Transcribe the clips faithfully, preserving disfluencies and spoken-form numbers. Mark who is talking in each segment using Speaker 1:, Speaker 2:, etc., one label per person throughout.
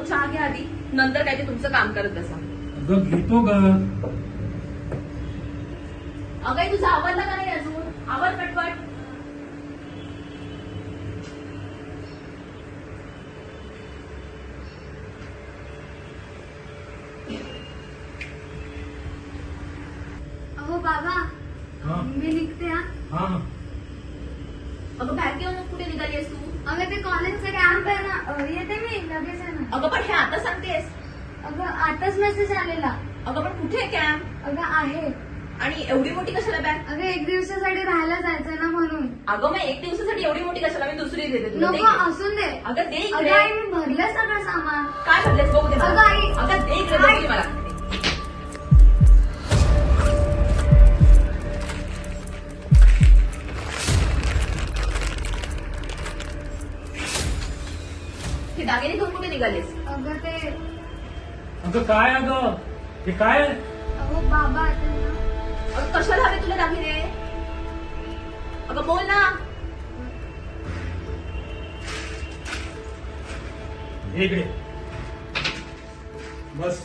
Speaker 1: अहो चहा घ्या आधी, नंतर काय ते तुमचं काम करत बसा.
Speaker 2: अगं घेतो ग.
Speaker 1: अगं तुझं आवडलं का नाही अजून? आवर पटपट.
Speaker 3: अहो बाबा,
Speaker 2: हा
Speaker 3: मी निघते हा.
Speaker 2: हा
Speaker 1: अगं बॅग घेऊन कुठे निघालीस तू?
Speaker 3: अगं ते कॉलेजचा कॅम्प आहे ना, अ, येते मी लगेच आहे ना.
Speaker 1: अगं पण हे आता सांगतेस?
Speaker 3: अगं आताच मेसेज आलेला.
Speaker 1: अगं पण कुठे कॅम्प?
Speaker 3: अगं आहे.
Speaker 1: आणि एवढी मोठी कशाला बॅग?
Speaker 3: अगं एक दिवसासाठी राहायला जायचंय ना म्हणून.
Speaker 1: अगं मग एक दिवसासाठी एवढी मोठी कशाला? मी दुसरी देते तुला. दे
Speaker 3: नको
Speaker 1: इकडे.
Speaker 3: असून दे.
Speaker 1: अगं दे
Speaker 3: अगं
Speaker 1: इकडे.
Speaker 3: आई मी भरलं सगळं सामान.
Speaker 1: काय भरलेस बघू दे मला.
Speaker 3: अगं आई.
Speaker 1: अगं दे इकडे,
Speaker 3: आई.
Speaker 1: बघू दे मला. हे दागिने घेऊन कुठे निघालेस?
Speaker 3: अगं ते
Speaker 2: अगं काय अगं हे काय?
Speaker 3: अहो बाबा आता ना.
Speaker 1: अगं कशाला हवे तुला दागिने? अगं बोल ना.
Speaker 2: हे इकडे बस.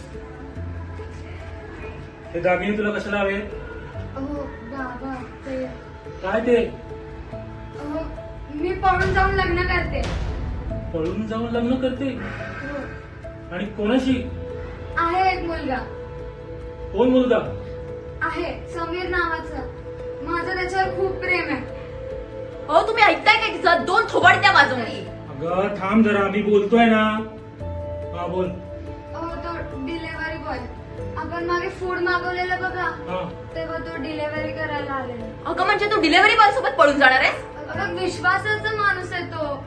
Speaker 2: हे दागिने तुला कशाला हवे?
Speaker 3: अहो बाबा ते
Speaker 2: काय ते?
Speaker 3: अहो मी पळून जाऊन लग्न करते.
Speaker 2: पळून जाऊन लग्न करते?
Speaker 3: हो.
Speaker 2: आणि कोणाशी?
Speaker 3: आहे एक मुलगा.
Speaker 2: कोण मुलगा?
Speaker 3: आहे समीर नावाचा. माझं त्याच्यावर खूप प्रेम आहे.
Speaker 1: हो तुम्ही ऐकताय काय तिचं? दोन थोबाड त्या वाजवणी.
Speaker 2: अगं थांब जरा, मी बोलतोय ना. हा बोल.
Speaker 3: अहो तो डिलेव्हरी बॉय. आपण मागे फूड मागवलेलं बघा,
Speaker 2: हा
Speaker 3: तेव्हा तो डिलेव्हरी करायला आलेला.
Speaker 1: अगं म्हणजे तू डिलेव्हरी बॉय सोबत पळून जाणार आहेस?
Speaker 3: अगं विश्वासाचा माणूस आहे तो.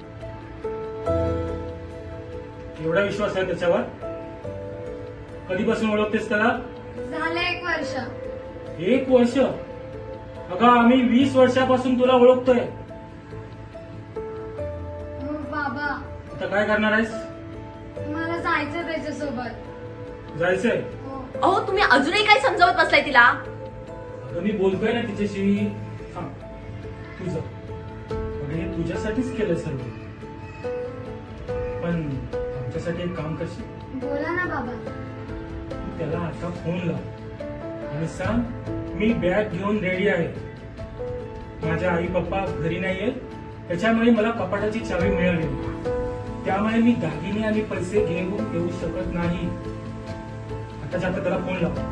Speaker 2: एवढा विश्वास आहे त्याच्यावर? कधीपासून ओळखतेस त्याला?
Speaker 3: झालं एक वर्ष.
Speaker 2: एक वर्ष? अगं आम्ही वीस वर्षापासून तुला ओळखतोय.
Speaker 3: हो बाबा,
Speaker 2: आता काय करणार आहेस?
Speaker 3: मला जायचं त्याच्यासोबत.
Speaker 2: जायचंय?
Speaker 3: हो.
Speaker 1: अहो तुम्ही अजूनही काय समजावत बसलाय तिला?
Speaker 2: अगं मी बोलतोय ना तिच्याशी. थांब तुझं. अगं हे तुझ्यासाठीच केलंय सर्व. पण आमच्यासाठी एक काम करशील?
Speaker 3: बोला ना बाबा.
Speaker 2: तू त्याला आता फोन लाव आणि सांग मी बॅग घेऊन रेडी आहे. माझ्या आई पप्पा घरी नाहीये, त्याच्यामुळे मला कपाटाची चावी मिळाली, त्यामुळे मी दागिने आणि पैसे घेऊन येऊ शकत नाही. आता जाता त्याला फोन लाव.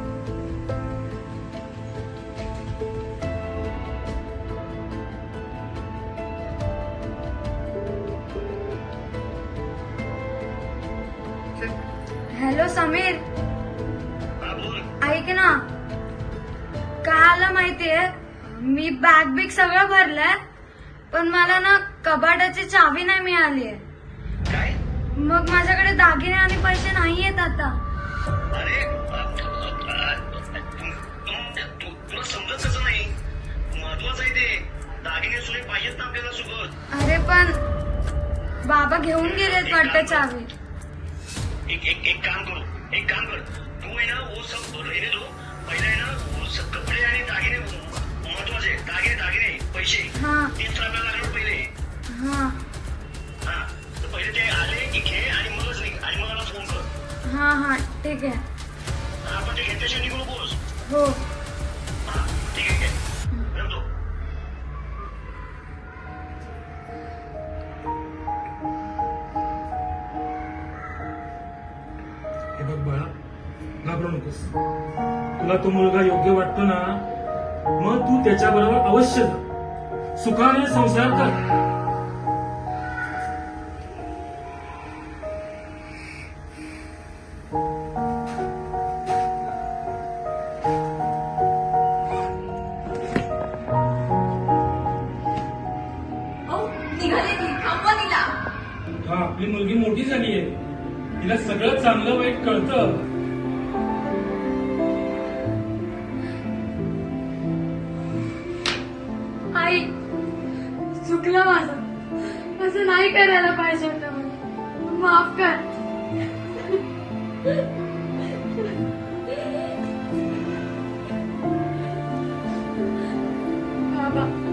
Speaker 3: हॅलो समीर, ऐक ना. काय आलं माहितीये, मी बॅग बिग सगळं भरलंय, पण मला ना कपाटाची चावी नाही मिळालीये.
Speaker 4: काय?
Speaker 3: मग माझ्याकडे दागिने आणि पैसे नाही आहेत आता.
Speaker 4: अरे तू- तुला समजत कसं नाही? महत्वाचं आहे ते. दागिने सुने पाहिजेत ना आपल्याला सोबत.
Speaker 3: अरे पण बाबा घेऊन गेलेत वाटतं चावी.
Speaker 4: एक एक एक काम करू एक काम कर तू आहे ना वो सब रहने दो. पहिले आहे ना वो सब कपडे आणि दागिने महत्वाचे. दागिने दागिने पैसे
Speaker 3: हा
Speaker 4: तीस तर आपल्याला लागणार पहिले.
Speaker 3: हा
Speaker 4: हा तर पहिले ते आले की घे आणि मगच निघ आणि मग मला फोन कर.
Speaker 3: हा हा ठीक आहे.
Speaker 4: आपण ते घेतल्याशिवाय निघू नकोस.
Speaker 3: हो.
Speaker 4: हा ठीक आहे ठेवतो.
Speaker 2: हे बघ बाळा, घाबरू नकोस. तुला तो मुलगा योग्य वाटतो ना, मग तू त्याच्याबरोबर अवश्य जा. सुखाने संसार कर.
Speaker 1: अहो निघाले ती, थांबवा तिला.
Speaker 2: हा आपली मुलगी मोठी झालीये, तिला सगळं चांगलं वाईट कळतं.
Speaker 3: आई, चुकलं माझं. असं नाही करायला पाहिजे होतं मला. माफ कर. बाबा